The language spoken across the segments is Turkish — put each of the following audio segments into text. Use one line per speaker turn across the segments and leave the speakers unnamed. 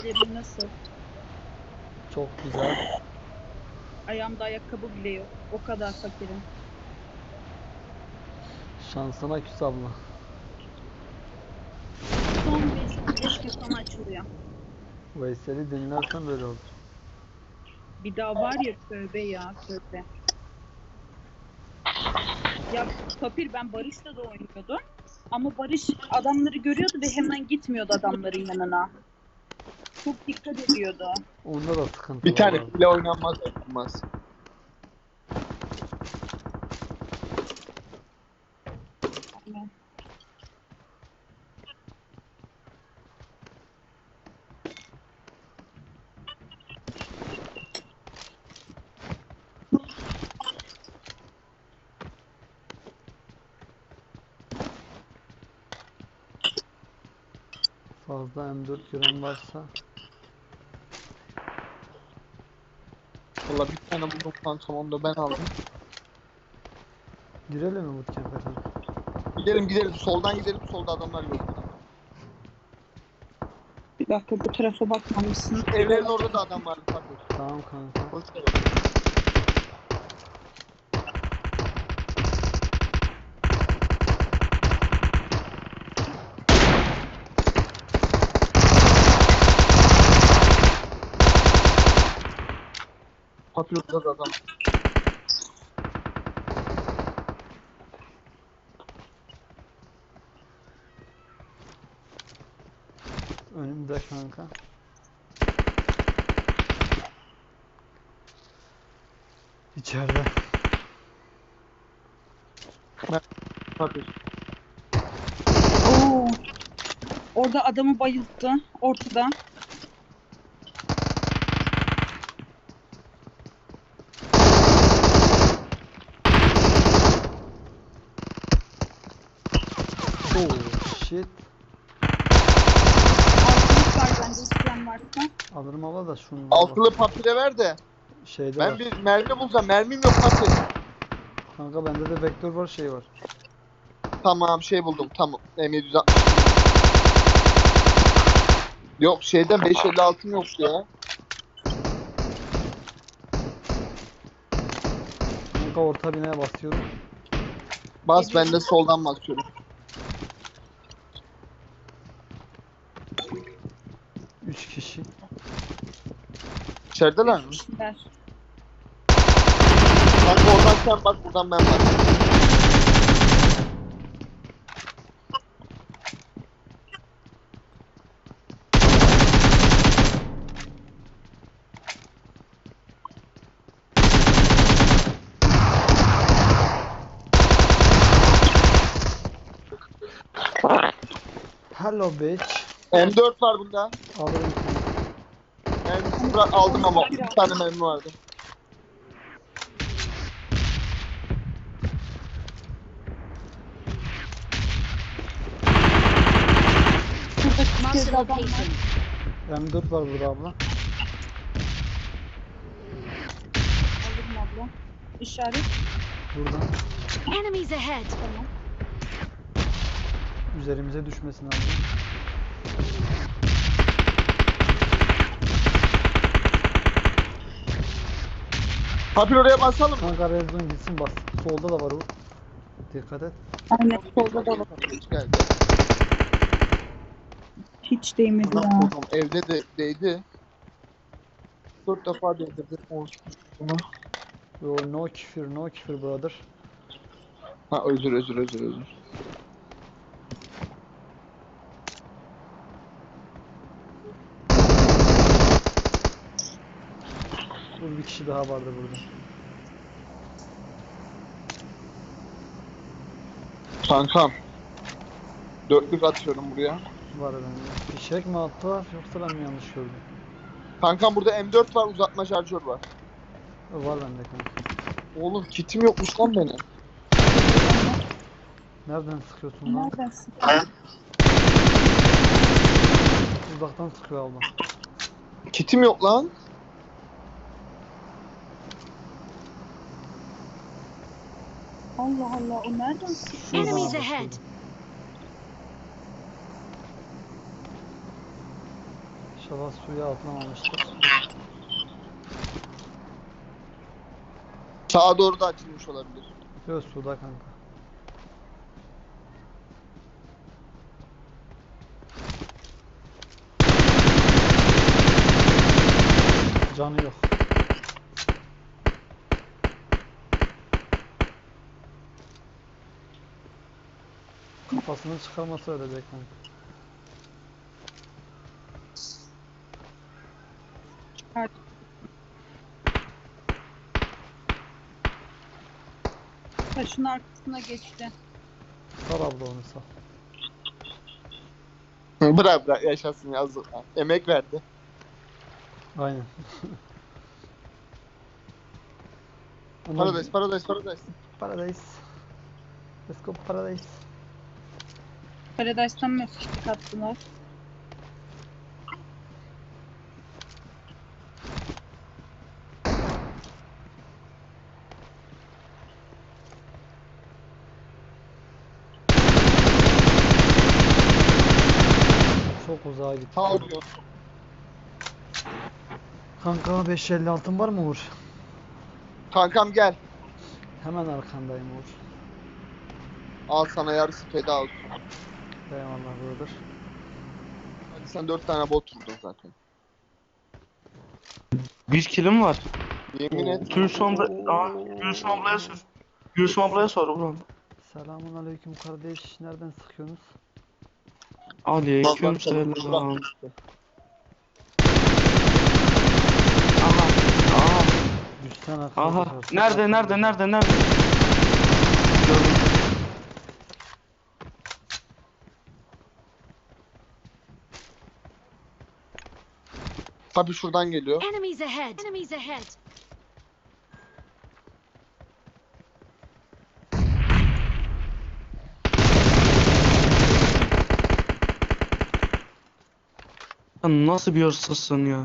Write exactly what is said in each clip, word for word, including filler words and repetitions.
İşlerin nasıl?
Çok güzel.
Ayağımda ayakkabı bile yok. O kadar fakirim.
Şansına küs abla.
Son beş gün sonra açılıyor.
Veysel'i dinlersen böyle olur.
Bir daha var ya, tövbe ya tövbe. Ya Papir, ben Barış'la da oynuyordum. Ama Barış adamları görüyordu ve hemen gitmiyordu adamların yanına. Çok dikkat ediyordu.
Onda da sıkıntı
Bir
var
tane
abi.
bile oynanmaz oynanmaz.
Yani
Fazla M dört gören varsa
Valla bir tane buldum kankam, onu da ben aldım.
girelim mi bootcamp'e kanka?
Gidelim gidelim, soldan gidelim, solda adamlar yok.
bir dakika, bu tarafa bakmamışsın.
Evlerin orada da adam vardı tabii.
Tamam kanka.
Hoş geldin. Papyonda da adam.
Önümde kanka. İçeride.
Tabii.
Oo. Orada adamı bayılttı. Ortada.
Oh shit.
Altılık var bende, isteyen varsa.
Alırım abla da şunu.
Altılı papire ver de.
Şeyde
Ben
var.
bir mermi bulsam, mermim yok papir.
Kanka bende de vektör var, şey var.
Tamam, şey buldum, tamam. M yedi yüz altmış. Yok, şeyden beş elli altım yoktu ya.
Kanka orta binaya basıyorum.
Bas, ben de soldan basıyorum.
Üç kişi.
İçerideler mi?
Kişiler.
Bak oradan sen bak, buradan ben bak.
Hello bitch.
M dört var bunda.
Alırım.
Mermisini bırak, aldım ama bir tane mermi vardı.
Şurada
Marked
kez
a
adam var.
location.
M dört var burada abla.
Alırım abla. İşaret.
Burada.
Enemies ahead.
Tamam.
Üzerimize düşmesin abla.
Papir oraya basalım mı?
Kanka Rezon gitsin bas. Solda da var o. Dikkat et.
Aynen, solda da var.
Hiç geldi.
Hiç değmedi
Lan
ya.
oğlum, evde de değdi. Dört defa değdirdi. Olsun.
Yo, no küfür, no küfür brother.
Ha, özür özür özür özür.
Dur, bir kişi daha vardı burada.
Kankam. Dörtlük atıyorum buraya.
Var bende. Fişek mi attılar yoksa ben mi yanlış gördüm?
Kankam burada M dört var, uzatma şarjör var.
Var bende kanka.
Oğlum kitim yokmuş lan benim.
Nereden sıkıyorsun lan?
Neredesin?
Uzaktan sıkıyor abla.
Kitim yok lan.
Allah Allah, o nereden?
Şuradan
Enemies
abla,
ahead.
şuradan. İnşallah suya atlamamıştır.
Sağa doğru da açılmış olabilir.
Yok suda kanka. Canı yok. Kafasını çıkarması ölecek kanka.
Çıkart. Taşın arkasına geçti.
Sar abla onu sar.
Bırak bırak yaşasın yazık. Emek verdi.
Aynen. Ama
Paradise, paradise, paradise.
Paradise. Let's go Paradise.
Paradise'dan mı fiştik attılar?
Çok uzağa gitti.
Sağ oluyor.
Kanka beş elli altın var mı Uğur?
Kankam gel.
Hemen arkandayım Uğur.
Al sana yarısı feda olsun.
Eyvallah brother.
Hadi sen dört tane bot vurdun zaten.
Bir kilim var.
Yemin et.
Gülsüm abla... Aa, Gülsüm ablaya sor. Gülsüm ablaya sor ulan.
Selamun aleyküm kardeş. Nereden sıkıyorsunuz?
Aleyküm selam. Aha. Aha.
Düşsen
Aha. Nerede nerede nerede nerede? Gördüm.
Tabii şuradan geliyor.
Enemies ahead. Enemies ahead.
Sen nasıl bir hırsızsın ya?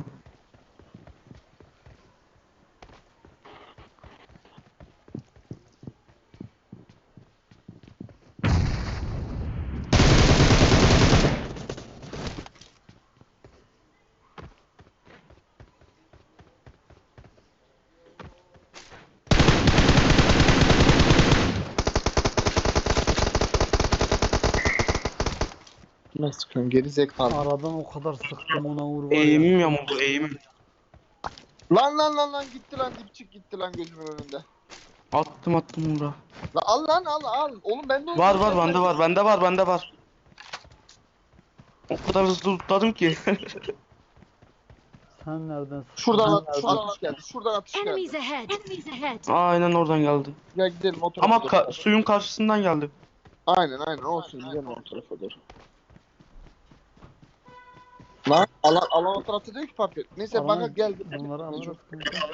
Ne sıkıyorsun geri zekalı.
Aradan o kadar sıktım ona Uğur var ya.
Eğimim yamuldu eğimim.
Lan lan lan lan gitti lan dipçik gitti lan gözümün önünde.
Attım attım bura.
Lan al lan al al. Oğlum bende oldu.
Var var bende var bende var bende var. O kadar hızlı tutladım ki.
Sen nereden sıktın?
Şuradan
Ben
at,
nereden-
şuradan atış geldi. Şuradan atış
Enemies
geldi.
ahead. Enemies ahead.
Aynen oradan geldi.
Gel gidelim o tarafa
Ama
doğru.
ka- suyun karşısından geldi.
Aynen aynen olsun gidelim o tarafa doğru. Lan alan, alan o tarafta değil ki papir. Neyse
Alan-
bana gel.
Bunları alırız kanka.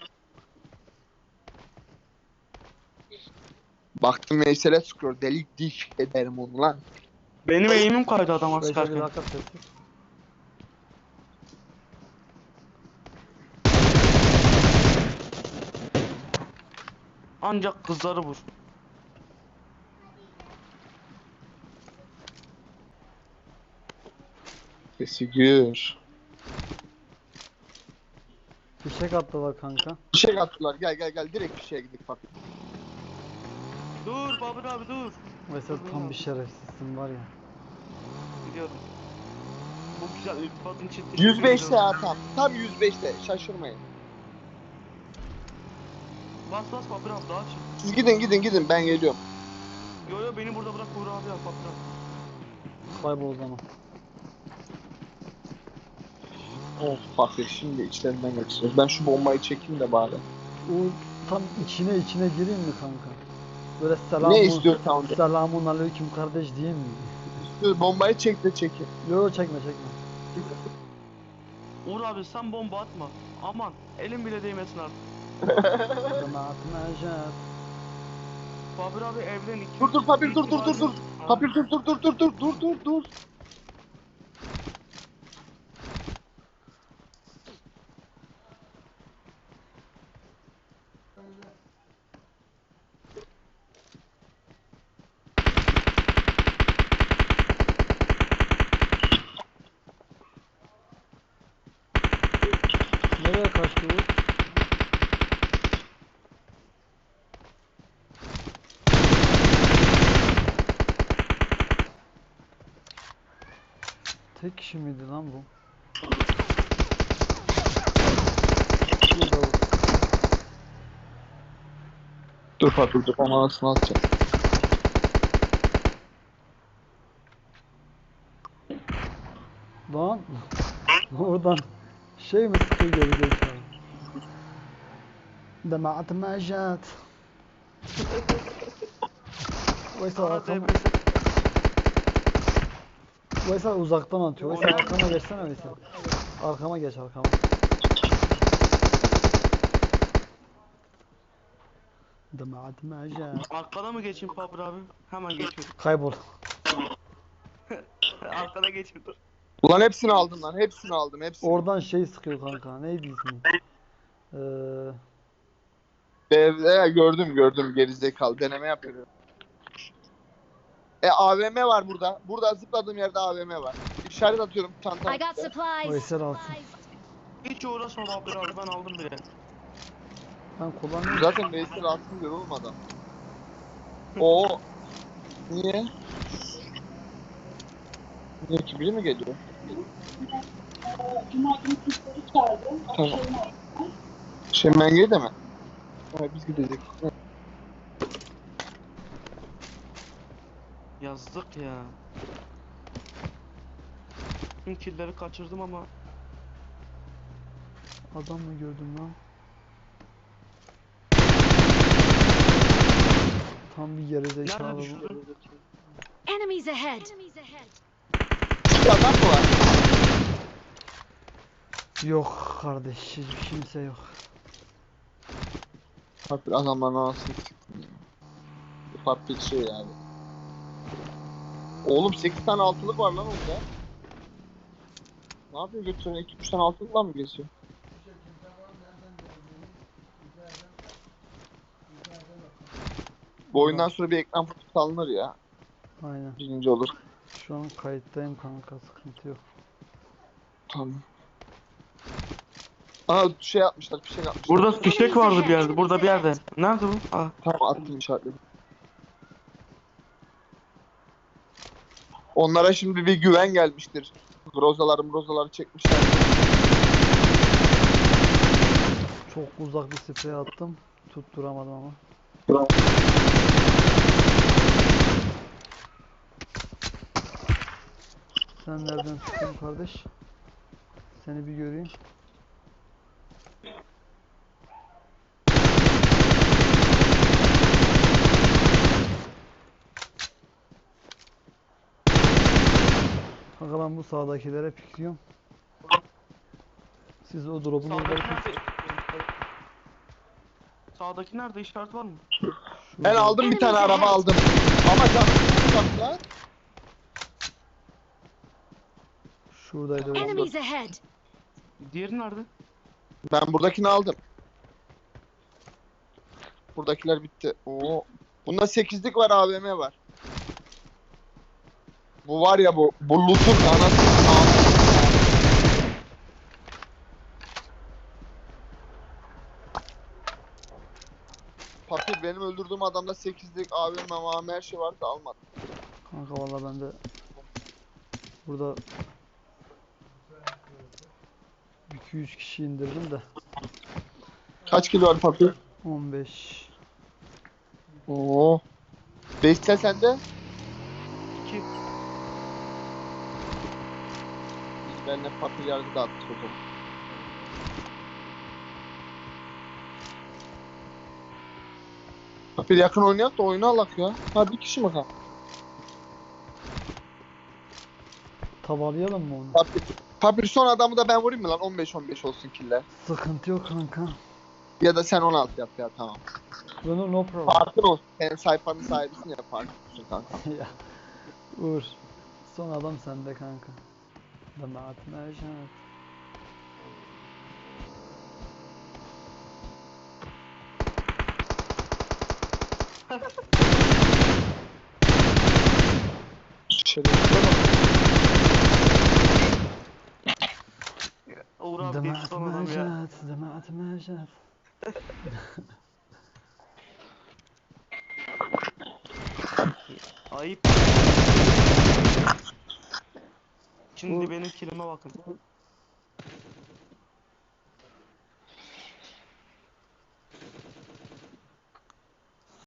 Baktım Veysel'e sıkıyor. Delik diş ederim onu lan.
Benim eğimim kaydı adama
Beşe bir
sıkarken.
dakika sessiz.
Ancak kızları vur.
Sesi gür.
Fişek attılar kanka.
Bir şey attılar. Gel gel gel direkt bir şeye gidelim bak.
Dur Babur abi dur.
Mesela tam bir şerefsizsin var ya.
Biliyorum. Bu güzel iltifatın çiftliği.
yüz beşte ya tam. Tam yüz beşte. Şaşırmayın.
Bas bas Babur abi daha çık.
Siz gidin gidin gidin ben geliyorum.
Yo yo beni burada bırak Uğur abi yap Babur abi.
Kaybol o zaman.
Of fakir şimdi içlerinden geçiyoruz. Ben şu bombayı çekeyim de bari.
Uğur tam içine içine gireyim mi kanka? Böyle selamun,
Ne istiyorsan de.
selamun aleyküm kardeş diyeyim mi?
İstiyor, bombayı çek de çekin.
Yok yok çekme çekme.
Uğur abi sen bomba atma. Aman elim bile değmesin artık.
Cemaat mecaz.
Babur abi evden iki...
Dur dur papir dur dur dur dur. Papir dur dur dur dur dur dur dur dur.
Nereye kaçtı bu? Tek kişi miydi lan bu? Şurada bu.
Dur Fatih dur. Onu anasını atacağım.
Lan oradan şey mi sıkıyor gerizekalı? دمعت ما جات. Veysel
Bana
arkama,
D B S
Veysel uzaktan atıyor. Veysel arkama geçsene Veysel. Arkama geç arkama. دمعت ما جات.
Arkada mı geçeyim Fabri abi? Hemen geçiyorum.
Kaybol.
Arkada geçeyim dur.
Ulan hepsini aldım lan. Hepsini aldım. Hepsini.
Oradan şey sıkıyor kanka. Neydi ismi? Ee,
Evde gördüm gördüm gerizekalı. Deneme yapıyorum. E A V M var burada. Burada zıpladığım yerde A V M var. İşaret atıyorum çantama.
I got supplies.
Veysel alsın.
Hiç uğraşma Fabri abi, ben aldım bile.
Ben kullanıyorum.
Zaten Veysel alsın diyor oğlum adam. Oo. Niye? Niye ki biri mi geliyor?
Cuma günü kızları çağırdı.
Tamam. Şemenge'ye de mi? Ha, biz gidecek.
Yazdık ya. Tüm killleri kaçırdım ama
Adam mı gördüm lan? Tam bir gerizekalı
nerede
bu.
düşürdün?
Enemies ahead. Enemies ahead.
Bir adam mı var?
Yok kardeş, hiç kimse yok.
Farklı adamlar nasıl siktim ya. Farklı bir şey yani. Oğlum sekiz tane altılık var lan orada. Ne yapıyor götürüyor? iki üç tane altılıkla mı geziyor? Bu oyundan sonra bir ekran fotoğrafı alınır ya.
Aynen.
Birinci olur.
Şu an kayıttayım kanka, sıkıntı yok.
Tamam. Aa şey yapmışlar, fişek atmışlar.
Burada fişek vardı bir yerde. Burada bir yerde. Nerede bu? Aa.
Tamam attım işaretledim. Onlara şimdi bir güven gelmiştir. Grozaları mrozaları çekmişler.
Çok uzak bir sprey attım. Tutturamadım ama. Sen nereden çıktın kardeş? Seni bir göreyim. Kanka ben bu sağdakilere pikliyorum. Siz o drop'un
Sağdaki
orada
nerede? Sağdaki nerede? İşaret var mı?
Ben aldım bir tane araba aldım. Ama canım bak lan.
Şuradaydı o.
Enemies ahead.
Diğeri nerede?
Ben buradakini aldım. Buradakiler bitti. Oo. Bunda sekizlik var, A V M var. Bu var ya bu. Bu loot'un anasını ağzını. Papir benim öldürdüğüm adamda sekizlik A V M, A V M her şey vardı almadım.
Kanka valla ben de burada iki yüz kişi indirdim de
Kaç kilo var Papir?
on beş.
Oo. Beşsel sende?
İki.
Biz benimle Papir yargı dağıttık o zaman. Papir yakın oynayak da oyunu alak ya. Ha bir kişi mi kal?
Tavalayalım mı onu?
Papir. Papir son adamı da ben vurayım mı lan? on beş on beş olsun killer.
Sıkıntı yok kanka.
Ya da sen on altı yap ya tamam.
No, no problem.
Farkın olsun. Sen sayfanın sahibisin ya farkın olsun kanka.
Ya Uğur. Son adam sende kanka. Demaat mercan.
Şöyle.
Oo Uğur abi diye tutan adam ya.
Demet, Demet Mecet.
Ayıp. Şimdi benim kilime bakın.